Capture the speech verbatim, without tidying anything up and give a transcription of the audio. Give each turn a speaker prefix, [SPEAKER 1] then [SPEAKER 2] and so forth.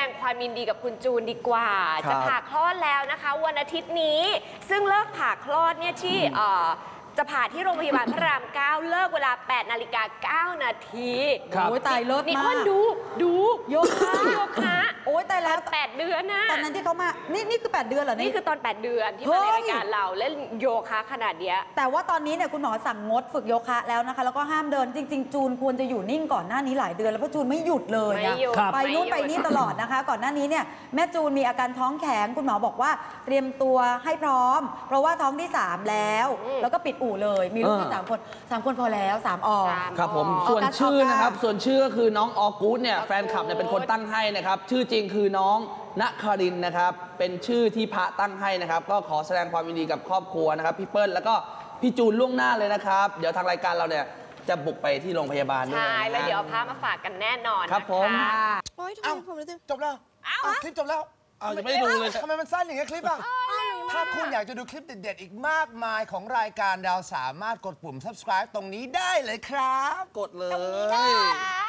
[SPEAKER 1] งความยินดีกับคุณจูนดีกว่าจะผ่าคลอดแล้วนะคะวันอาทิตย์นี้ซึ่งเลิกผ่าคลอดเนี่ยที่จะผ่าที่โรงพยาบาลพระรามเก้าเลิกเวลาแปดนาฬิกาเก้านาที
[SPEAKER 2] โอ้ยตายเลิศมาก
[SPEAKER 1] นี่อ้นดูดูโยคะโยคะ
[SPEAKER 2] โอ้ยตายแล้ว
[SPEAKER 1] แปดเดือนนะ
[SPEAKER 2] ตอนนั้นที่เขามานี่นี่คือแปดเดือนเหรอ
[SPEAKER 1] นี่คือตอนแปดเดือนที่มาในรายการเราเล่นโยคะขนาดเนี้ย
[SPEAKER 2] แต่ว่าตอนนี้เนี่ยคุณหมอสั่งงดฝึกโยคะแล้วนะคะแล้วก็ห้ามเดินจริงๆจูนควรจะอยู่นิ่งก่อนหน้านี้หลายเดือนแล้วเพราะจูนไม่หยุดเลยอะไปนู่นไปนี่ตลอดนะคะก่อนหน้านี้เนี่ยแม่จูนมีอาการท้องแข็งคุณหมอบอกว่าเตรียมตัวให้พร้อมเพราะว่าท้องที่สามแล้วแล้วก็ปิดอู่เลยมีลูกที่สามคนสามคนพอแล้วสามออก
[SPEAKER 3] ครับผมส่วนชื่อนะครับส่วนชื่อก็คือน้องออกูดเนี่ยแฟนคลับเนี่ยเป็นคนตั้งให้นะครับชื่อจริงคือน้องณครินนะครับเป็นชื่อที่พระตั้งให้นะครับก็ขอแสดงความยินดีกับครอบครัวนะครับพี่เปิ้ลแล้วก็พี่จูนล่วงหน้าเลยนะครับเดี๋ยวทางรายการเราเนี่ยจะบุกไปที่โรงพยาบาลด้วย
[SPEAKER 1] ใช่แล้วเดี๋ยวพามาฝากกันแน่นอน
[SPEAKER 3] ครับผม
[SPEAKER 4] โอ้ยทำไมผมรู้สึกจบแล้วคลิปจบแล้ว
[SPEAKER 3] อ้าวยังไม่ได้ดูเลย
[SPEAKER 4] ทำไมมันสั้นอย่างเงี้ยคลิปอ่ะถ้าคุณอยากจะดูคลิปเด็ดๆอีกมากมายของรายการเราสามารถกดปุ่ม subscribe ตรงนี้ได้เลยครับ
[SPEAKER 3] กดเลย